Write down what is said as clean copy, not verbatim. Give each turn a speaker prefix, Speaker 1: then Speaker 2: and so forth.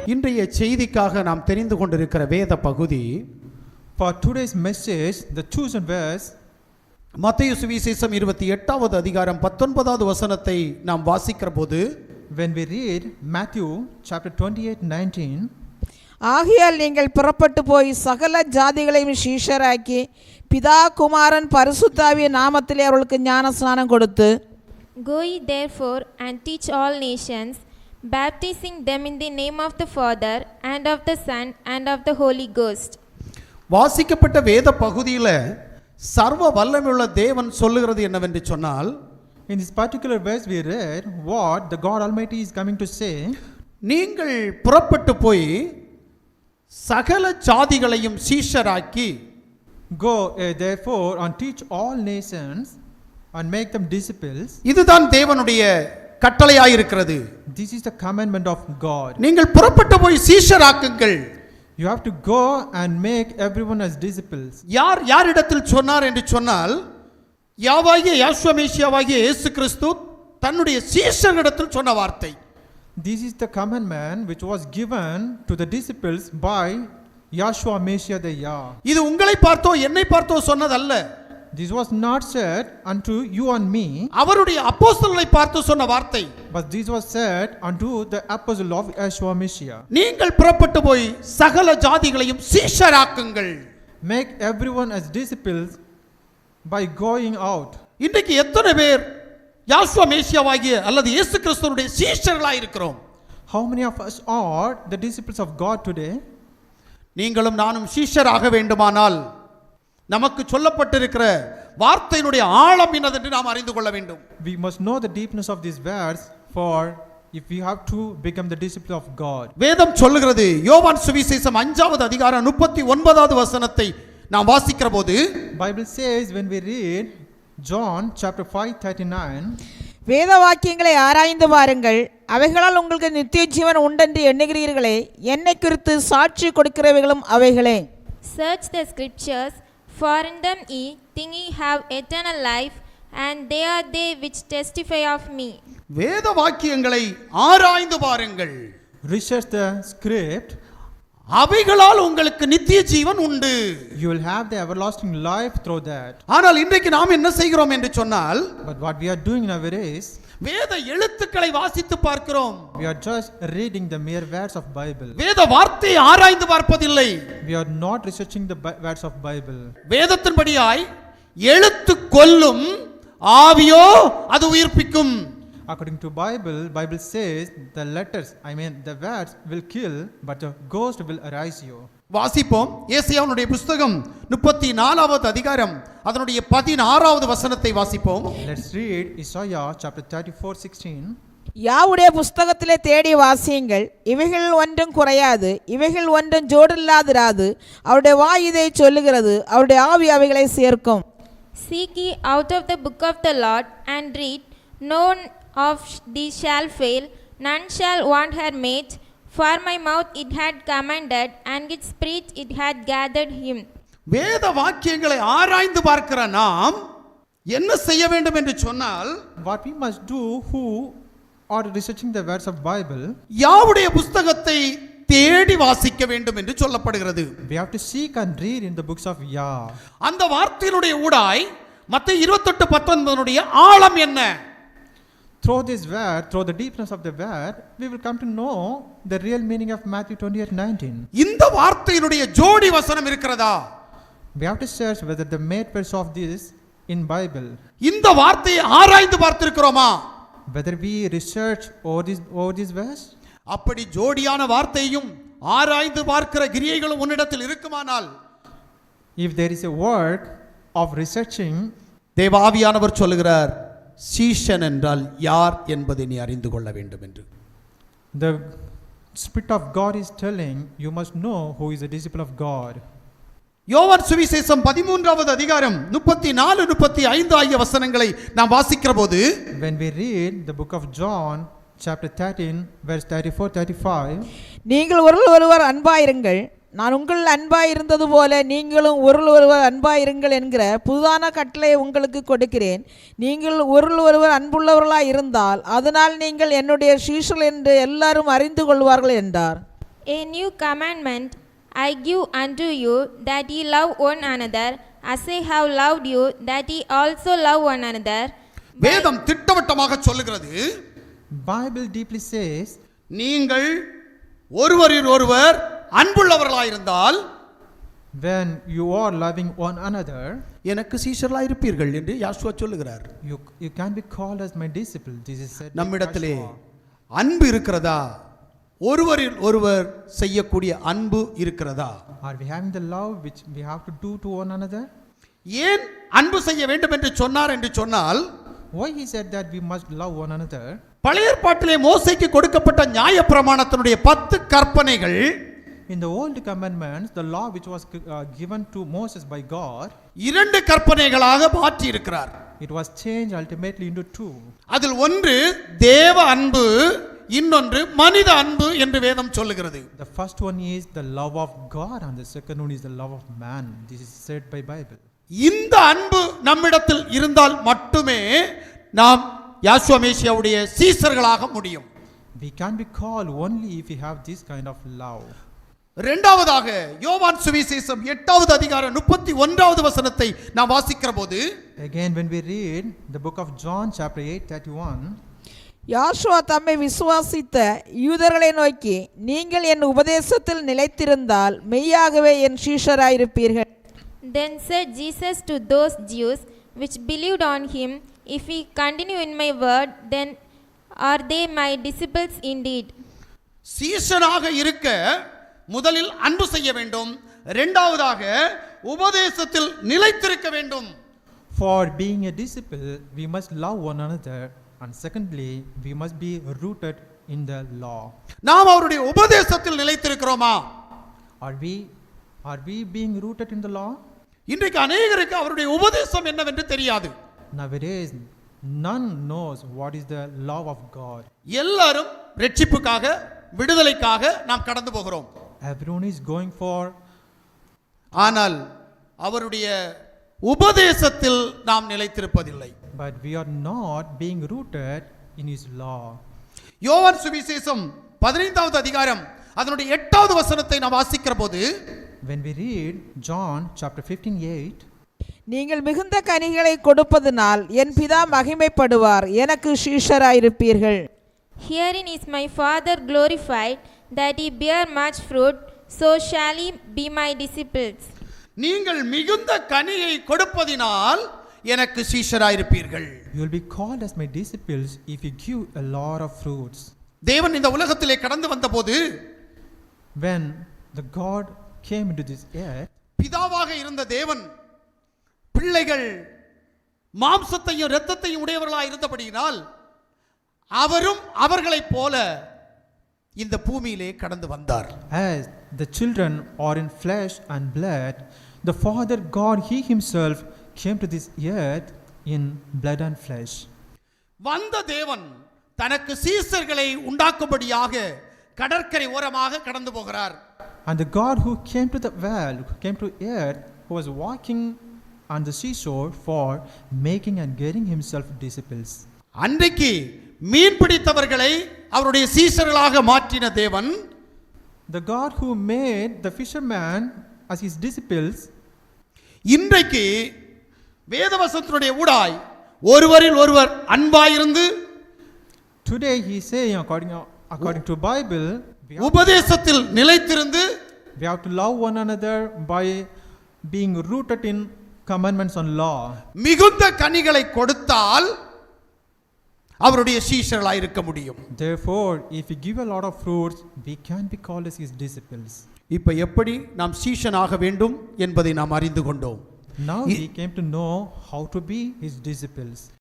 Speaker 1: இன்றைய செய்திக்காக நாம் தெரிந்து கொண்டிருக்கிற வேத பகுதி,
Speaker 2: For today's message, the chosen verse,
Speaker 1: மத்தேயு சுவிசேஷம் 28வது அதிகாரம் 19வது வசனத்தை நாம் வாசிக்கிற போது,
Speaker 2: when we read Matthew chapter 28:19,
Speaker 3: ஆகையால் நீங்கள் புறப்பட்டு போய் சகல ஜாதிகளையும் சீஷராக்கி பிதா குமாரன் பரிசுத்தாவிய நாமத்திலே அவர்களுக்கு ஞானஸ்நானம் கொடுத்து,
Speaker 4: Go ye therefore and teach all nations, baptizing them in the name of the Father and of the Son and of the Holy Ghost.
Speaker 1: வாசிக்கப்பட்ட வேத பகுதியில் சர்வ வல்லமையுள்ள தேவன் சொல்லுகிறது என்னவென்று சொன்னால்,
Speaker 2: in this particular verse we read what the God Almighty is coming to say,
Speaker 1: நீங்கள் புறப்பட்டு போய் சகல ஜாதிகளையும் சீஷராக்கி,
Speaker 2: go therefore and teach all nations and make them disciples.
Speaker 1: இதுதான் தேவனுடைய கட்டளையாயிருக்கிறது.
Speaker 2: This is the commandment of God.
Speaker 1: நீங்கள் புறப்பட்டு போய் சீஷராக்குங்கள்.
Speaker 2: You have to go and make everyone as disciples.
Speaker 1: யாரிடத்தில் சொன்னார் என்று சொன்னால், யாவாகிய யாசுவா மேசியாவாகிய இயேசு கிறிஸ்து தன்னுடைய சீஷர்களிடத்தில் சொன்ன வார்த்தை.
Speaker 2: This is the commandment which was given to the disciples by Yahshua Messiah the Yah.
Speaker 1: இது உங்களை பார்த்தோ என்னை பார்த்தோ சொன்னதல்ல.
Speaker 2: This was not said unto you and me,
Speaker 1: அவருடைய அப்போஸ்தலரை பார்த்து சொன்ன வார்த்தை.
Speaker 2: but this was said unto the apostle of Yahshua Messiah.
Speaker 1: நீங்கள் புறப்பட்டு போய் சகல ஜாதிகளையும் சீஷராக்குங்கள்.
Speaker 2: Make everyone as disciples by going out.
Speaker 1: இன்றைக்கு எத்தனை பேர் யாசுவா மேசியாவாகிய அல்லது இயேசு கிறிஸ்துவினுடைய சீஷர்களாய் இருக்கிறோம்?
Speaker 2: How many of us are the disciples of God today?
Speaker 1: நீங்களும் நானும் சீஷராக வேண்டுமானால் நமக்கு சொல்லப்பட்டிருக்கிற வார்த்தையினுடைய ஆழம் என்னதென்று நாம் அறிந்து கொள்ள வேண்டும்.
Speaker 2: We must know the deepness of this verse, for if we have to become the disciple of God.
Speaker 1: வேதம் சொல்லுகிறது, யோவான் சுவிசேஷம் 5வது அதிகாரம் 39வது வசனத்தை நாம் வாசிக்கிற போது,
Speaker 2: Bible says when we read John chapter 5:39,
Speaker 3: வேத வாக்கியங்களை ஆராய்ந்து பாருங்கள், அவைகளால் உங்களுக்கு நித்திய ஜீவன் உண்டென்று எண்ணுகிறீர்களே, என்னை குறித்து சாட்சி கொடுக்கிறவைகளும் அவைகளே.
Speaker 4: Search the scriptures, for in them ye think ye have eternal life, and they are they which testify of me.
Speaker 1: வேத வாக்கியங்களை ஆராய்ந்து பாருங்கள்,
Speaker 2: research the script,
Speaker 1: அவைகளால் உங்களுக்கு நித்திய ஜீவன் உண்டு.
Speaker 2: you will have the everlasting life through that.
Speaker 1: ஆனால் இன்றைக்கு நாம் என்ன செய்கிறோம் என்று சொன்னால்,
Speaker 2: But what we are doing nowadays,
Speaker 1: வேத எழுத்துக்களை வாசித்து பார்க்கிறோம்.
Speaker 2: we are just reading the mere words of Bible.
Speaker 1: வேத வார்த்தையை ஆராய்ந்து பார்ப்பதில்லை.
Speaker 2: We are not researching the words of Bible.
Speaker 1: வேதத்தின்படியாய் எழுத்து கொல்லும், ஆவியோ அது உயிர்ப்பிக்கும்.
Speaker 2: According to Bible says the letters, the words will kill, but the ghost will arise you.
Speaker 1: வாசிப்போம். ஏசாயாவுடைய புத்தகம் 34வது அதிகாரம் அதனுடைய 16வது வசனத்தை வாசிப்போம்.
Speaker 2: Let's read Isaiah chapter 34:16.
Speaker 3: யாவுடைய புஸ்தகத்திலே தேடி வாசியுங்கள், இவைகள் ஒன்றும் குறையாது, இவைகள் ஒன்றும் ஜோடில்லாதிராது. அவருடைய வாய் இதை சொல்லுகிறது, அவருடைய ஆவி அவைகளை சேர்க்கும்.
Speaker 4: Seek ye out of the book of the Lord, and read, none of these shall fail, none shall want her mate. For my mouth it had commanded, and its spirit it had gathered him.
Speaker 1: வேத வாக்கியங்களை ஆராய்ந்து பார்க்கிற நாம் என்ன செய்ய வேண்டும் என்று சொன்னால்,
Speaker 2: What we must do who are researching the words of Bible,
Speaker 1: யாவுடைய புத்தகத்தை தேடி வாசிக்க வேண்டும் என்று சொல்லப்படுகிறது.
Speaker 2: we have to seek and read in the books of Yah.
Speaker 1: அந்த வார்த்தையினுடைய ஊடாய் மத்தேயு 28:19 ஆழம் என்ன?
Speaker 2: Through this word, through the deepness of the word, we will come to know the real meaning of Matthew 28:19.
Speaker 1: இந்த வார்த்தையினுடைய ஜோடி வசனம் இருக்கிறதா?
Speaker 2: We have to search whether the made verse of this in Bible,
Speaker 1: இந்த வார்த்தையை ஆராய்ந்து பார்த்திருக்கிறோமா?
Speaker 2: whether we research over this verse.
Speaker 1: அப்படி ஜோடியான வார்த்தையும் ஆராய்ந்து பார்க்கிற கிரியைகளும் உன்னிடத்தில் இருக்குமானால்,
Speaker 2: If there is a work of researching,
Speaker 1: தேவாவியானவர் சொல்லுகிறார், சீஷன் என்றால் யார் என்பதை நீ அறிந்து கொள்ள வேண்டும் என்று.
Speaker 2: the Spirit of God is telling you must know who is a disciple of God.
Speaker 1: யோவான் சுவிசேஷம் 13வது அதிகாரம் 34 35 ஆகிய வசனங்களை நாம் வாசிக்கிற போது,
Speaker 2: When we read the book of John chapter 13 verse 34-35,
Speaker 3: நீங்கள் ஒருவர் அன்பாயிருங்கள், நான் உங்கள் அன்பாயிருந்தது போல நீங்களும் ஒருவர் அன்பாயிருங்கள் என்கிற புதுதான கட்டளை உங்களுக்கு கொடுக்கிறேன். நீங்கள் ஒருவர் அன்புள்ளவர்களாய் இருந்தால் அதனால் நீங்கள் என்னுடைய சீஷர்கள் என்று எல்லாரும் அறிந்து கொள்வார்கள் என்றார்.
Speaker 4: A new commandment I give unto you, that ye love one another, as I have loved you, that ye also love one another.
Speaker 1: வேதம் திட்டவட்டமாக சொல்லுகிறது,
Speaker 2: Bible deeply says,
Speaker 1: நீங்கள் ஒருவரில் ஒருவர் அன்புள்ளவர்களாயிருந்தால்
Speaker 2: when you are loving one another,
Speaker 1: எனக்கு சீஷர்களாயிருப்பீர்கள் என்று யாசுவா சொல்லுகிறார்.
Speaker 2: you can be called as my disciple. This is said by
Speaker 1: நம்மிடத்திலே
Speaker 2: Joshua.
Speaker 1: அன்பு இருக்கிறதா? ஒருவரில் ஒருவர் செய்யக்கூடிய அன்பு இருக்கிறதா?
Speaker 2: Are we having the love which we have to do to one another?
Speaker 1: ஏன் அன்பு செய்ய வேண்டும் என்று சொன்னார் என்று சொன்னால்,
Speaker 2: Why he said that we must love one another?
Speaker 1: பழைய ஏற்பாட்டிலே மோசேக்கு கொடுக்கப்பட்ட நியாயப்பிரமாணத்தினுடைய 10 கற்பனைகள்
Speaker 2: In the old commandments, the law which was given to Moses by God,
Speaker 1: 2 கற்பனைகளாக மாற்றி இருக்கிறார்.
Speaker 2: it was changed ultimately into 2.
Speaker 1: அதில் ஒன்று தேவ அன்பு, இன்னொன்று மனித அன்பு என்று வேதம் சொல்லுகிறது.
Speaker 2: The first one is the love of God and the second one is the love of man. This is said by Bible.
Speaker 1: இந்த அன்பு நம்மிடத்தில் இருந்தால் மட்டுமே நாம் யாசுவா மேசியாவுடைய சீசர்களாக முடியும்.
Speaker 2: We can be called only if we have this kind of love.
Speaker 1: இரண்டாவதாக யோவான் சுவிசேஷம் 8வது அதிகாரம் 31வது வசனத்தை நாம் வாசிக்கிற போது,
Speaker 2: Again, when we read the book of John chapter 8:31,
Speaker 3: யாசுவா தம்மை விசுவாசித்த யூதர்களை நோக்கி, நீங்கள் என் உபதேசத்தில் நிலைத்திருந்தால் மெய்யாகவே என் சீஷராயிருப்பீர்கள்.
Speaker 4: Then said Jesus to those Jews which believed on him, if ye continue in my word, then are they my disciples indeed.
Speaker 1: சீஷனாக இருக்க முதலில் அன்பு செய்ய வேண்டும், இரண்டாவதாக உபதேசத்தில் நிலைத்திருக்க வேண்டும்.
Speaker 2: for being a disciple, we must love one another, and secondly, we must be rooted in the law.
Speaker 1: நாம் அவருடைய உபதேசத்தில் நிலைத்திருக்கிறோமா?
Speaker 2: Are we being rooted in the law?
Speaker 1: இன்றைக்கு அநேகருக்கு அவருடைய உபதேசம் என்னவென்று தெரியாது.
Speaker 2: Nowadays, none knows what is the love of God.
Speaker 1: எல்லாரும் ரட்சிப்புக்காக, விடுதலைக்காக நாம் கடந்து போகிறோம்.
Speaker 2: Everyone is going for,
Speaker 1: ஆனால் அவருடைய உபதேசத்தில் நாம் நிலைத்திருப்பதில்லை.
Speaker 2: but we are not being rooted in his law.
Speaker 1: யோவான் சுவிசேஷம் 15வது அதிகாரம் அதனுடைய 8வது வசனத்தை நாம் வாசிக்கிற போது,
Speaker 2: When we read John chapter 15:8,
Speaker 3: நீங்கள் மிகுந்த கனிகளை கொடுப்பதனால் என் பிதா மகிமைப்படுவார், எனக்கு சீஷராயிருப்பீர்கள்.
Speaker 4: Herein is my Father glorified, that ye bear much fruit, so shall ye be my disciples.
Speaker 1: நீங்கள் மிகுந்த கனியை கொடுப்பதினால் எனக்கு சீஷராயிருப்பீர்கள்.
Speaker 2: you will be called as my disciples if you give a lot of fruits.
Speaker 1: தேவன் இந்த உலகத்திலே கடந்து வந்தபோது,
Speaker 2: When the God came into this earth,
Speaker 1: பிதாவாக இருந்த தேவன் பிள்ளைகள் மாம்சத்தையும் இரத்தத்தையும் உடையவர்களாக இருந்தபடியினால் அவரும் அவர்களைப் போல இந்த பூமியிலே கடந்து வந்தார்.
Speaker 2: as the children are in flesh and blood, the Father God, he himself came to this earth in blood and flesh.
Speaker 1: வந்த தேவன் தனக்கு சீசர்களை உண்டாக்கும்படியாக கடற்கரை ஓரமாக கடந்து போகிறார்.
Speaker 2: And the God who came to the world, who came to earth, who was walking on the seashore for making and getting himself disciples.
Speaker 1: அன்றைக்கு மீன் பிடித்தவர்களை அவருடைய சீசர்களாக மாற்றின தேவன்,
Speaker 2: The God who made the fisherman as his disciples,
Speaker 1: இன்றைக்கு வேதவசனத்தினுடைய ஊடாய் ஒருவரில் ஒருவர் அன்பாயிருந்து
Speaker 2: today he is saying according to Bible,
Speaker 1: உபதேசத்தில் நிலைத்திருந்து
Speaker 2: we have to love one another by being rooted in commandments on law.
Speaker 1: மிகுந்த கனிகளை கொடுத்தால் அவருடைய சீஷர்களாய் இருக்க முடியும்.
Speaker 2: Therefore, if we give a lot of fruits, we can be called as his disciples.
Speaker 1: இப்ப எப்படி நாம் சீஷனாக வேண்டும் என்பதை நாம் அறிந்து கொண்டோம்.
Speaker 2: Now we came to know how to be his disciples.